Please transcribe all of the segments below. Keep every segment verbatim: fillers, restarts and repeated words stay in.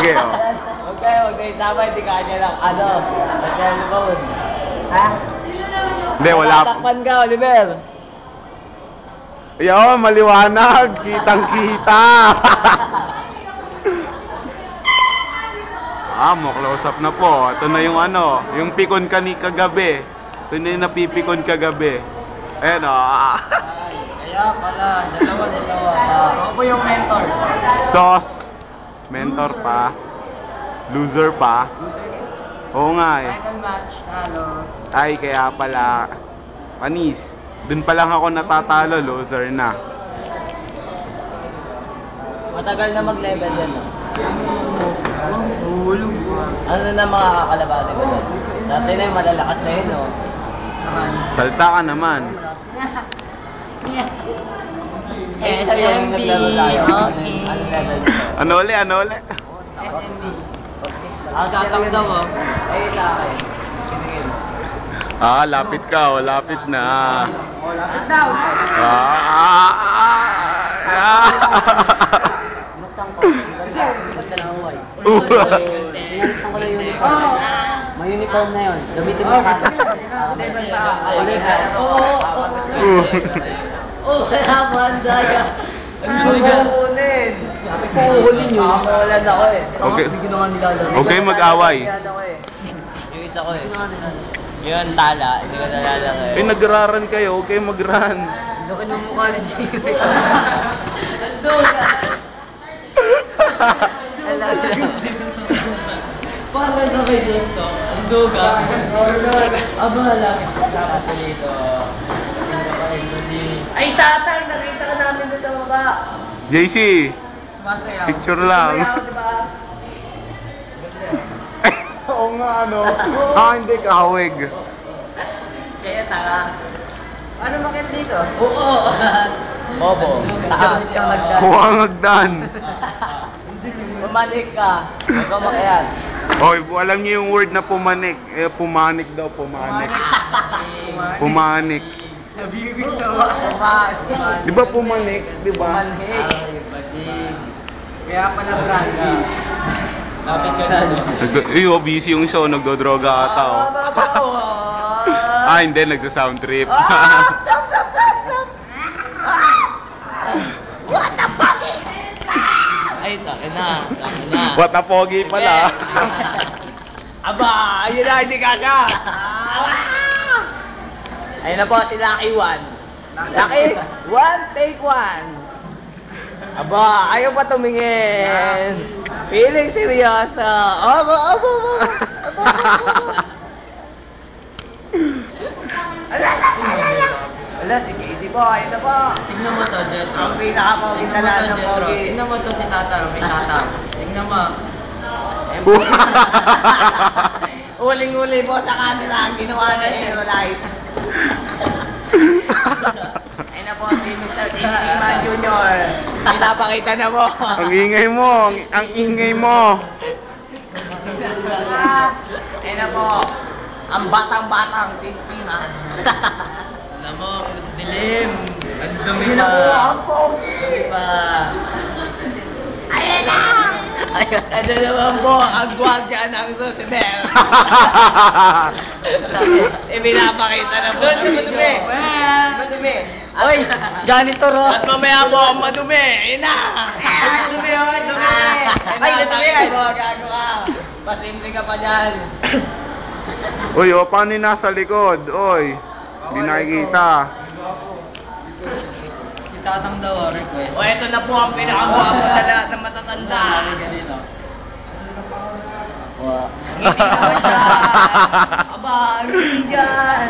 Sige, oh. Huwag kayo, huwag kayo tama, hindi kanya lang. Ano? Nag-telephone. Ha? Hindi, wala. Tatakpan ka, Oliver. Yo, maliwanag. Kitang-kita. Ah, mo close up na po. Ito na yung ano, yung pikon ka ni kagabi. Ito na yung napipikon kagabi. Ayan, oh. Kaya pala, dalawa, dalawa. Ako po yung mentor. Sauce. Mentor pa. Loser pa. Oo nga eh. Second match, talo. Ay, kaya pala. Panis. Dun pa lang ako natatalo, loser na. Matagal na mag-level yan, no? Ano na mga kakalabate ko doon? Dati na yung malalakas na yun, no? Salta ka naman. Eh, isa yung naglaro tayo. Ano level nito? Ano uli, ano uli? Tatang daw, oh. Ayun na akin. Ah, lapit ka, oh, lapit na. Oh, lapit daw. Ah, ah, ah. Buksan ko. Kasi, basta lang huway. Pinalitan ko na yung uniform. May uniform na yun. Gamitin mo ka. Oo, oo. Oo, kaya banda ka. Ano ka kunin? Sabi ko, uhulin nyo. Makakulan ako eh. Okay. Hindi ko na nga nilalaro. Huwag kayong mag-away. Yung isa ko eh. Yun, tala. Hindi ko nalalaro eh. Eh, nagraran kayo, huwag kayong magran. Laki ng mukha ni Jimmy. Ando ka. Para sa Facebook to, ando ka. Aba, laki siya. Dapat dito. Ay, tatang! Nakita ka namin doon sa baba. J C, Sumasayaw. picture lang. Sumayaw, di ba? Oo nga, ano. Ah, hindi, kahawig. Kaya tanga. Ano makit dito? Oo. Bobo. Taas. Huwag hagdan. Pumanik ka. Huwag ka makiyan. Oy, alam niyo yung word na pumanik. Eh, pumanik daw, pumanik. Pumanik. Nabibig sa Pumanik. Di ba pumanik? Di ba? Pumanik. Kaya pala branda. Kapit ka na, no? Nag- eh, oh, busy yung show, nagdodroga ata, oh. Ah, hindi, nagsa-sound trip. Ah! Stop, stop, stop, stop! What the fuck is Ay, takin na, takin na. What a pogi pala. Aba, ayun na, hindi kaka. Ayun na po, si Lucky One. Lucky One, take one. Aba, ayaw pa tumingin. Feeling seryoso. Aba, aba, aba. Aba, aba. Ala, ala, ala, ala. Ala, si Casey po, ayun na po. Tignan mo to, Jetro. Ang pinaka-pogi Tignan mo talaga to, ng Jetro. pogi. Tignan mo to si Tatang, may Tatang. Tignan mo. Uling-uli po sa kanila ang ginawa na Hero Light. Ayun na po si Mister Iman Junior Pinapakita na po. Ang ingay mo, ang, ang ingay mo. Ayun na po. Ang batang-batang tintiman. Alam mo, dilim. Ang dumi Ayun pa. na po, ang pogi. Dumi pa. Ayun na! Ano naman po, ang gwardya ng Roosevelt. Ibinapakita na po. Doon si Madumi. Madumi. Oy, janitor oh. At mamaya po ang madumi. Ayun na. Madumi, oh, madumi. Ay, madumi. Ay, gago ka. Pasimple ka pa dyan. Uy, oh, paano yung nasa likod? Oy, hindi nakikita. Si Tatang daw, oh, request. O, eto na po ang pinakagwapo sa lahat ng matatanda. Wow. Ngiti naman siya. Aba, ngiti dyan.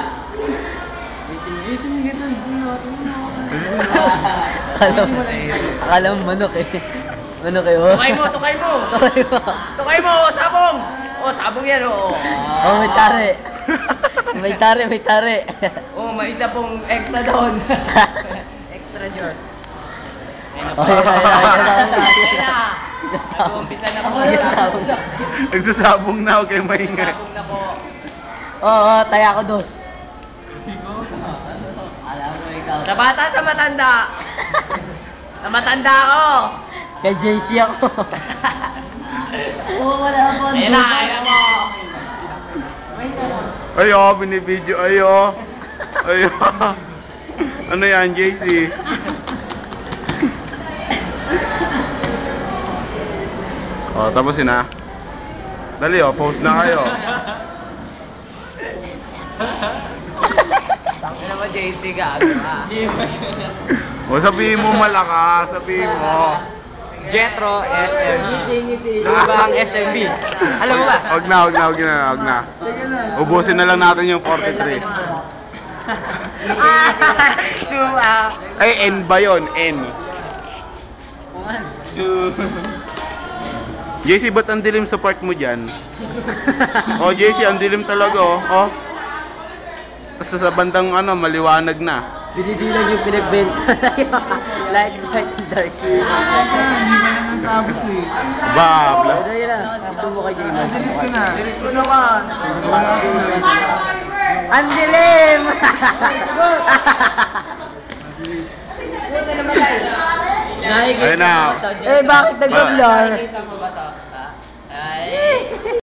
Akala mo, akala mo manok eh. Manok eh, oh. Tukay mo, tukay mo. Tukay mo. Tukay mo, sabong. O, sabong yan, o. Oh, may tari. May tari, may tari. O, may isa pong extra doon. Extra Diyos. Ayun na Oh, po. yan, yan, yan, yan, yan. Ayun na. Nag-uumpisa na po. Nagsasabong na, okay, maingay. Sabong na po. Oo, oh, taya ko dos. Alam mo ikaw. Sa bata sa matanda. Sa matanda ako. Kay J C ako. Oo, wala ako. Ayun na, ayun mo. Ayo, binibidyo. Ayo. Ayo. Ano yan, J C? Oh, tapusin na. Dali oh, post na kayo. Tangin naman J C gago ah. O sabihin mo malakas, sabihin mo. Jetro S M B. Ngiti, ngiti. Lubang S M B. Alam mo ba? Huwag na, huwag na, huwag na, huwag na. Ubusin na lang natin yung forty-three. Sua. Ay, N ba yun? N. J C, ba't ang dilim sa part mo dyan? Oh, J C, ang dilim talaga, oh. Oh. Tapos sa bandang ano, maliwanag na. Binibilang yung pinagbenta. Light, light, dark. Hindi pa na natapos eh. Babla. Ano yun na? Sumo kay Jayman. Delete ko na. Delete ko naman. Ang dilim! Puta naman tayo. Ayun na. Eh, bakit nag-blur? Nakikita mo ba to? Ha? Ay.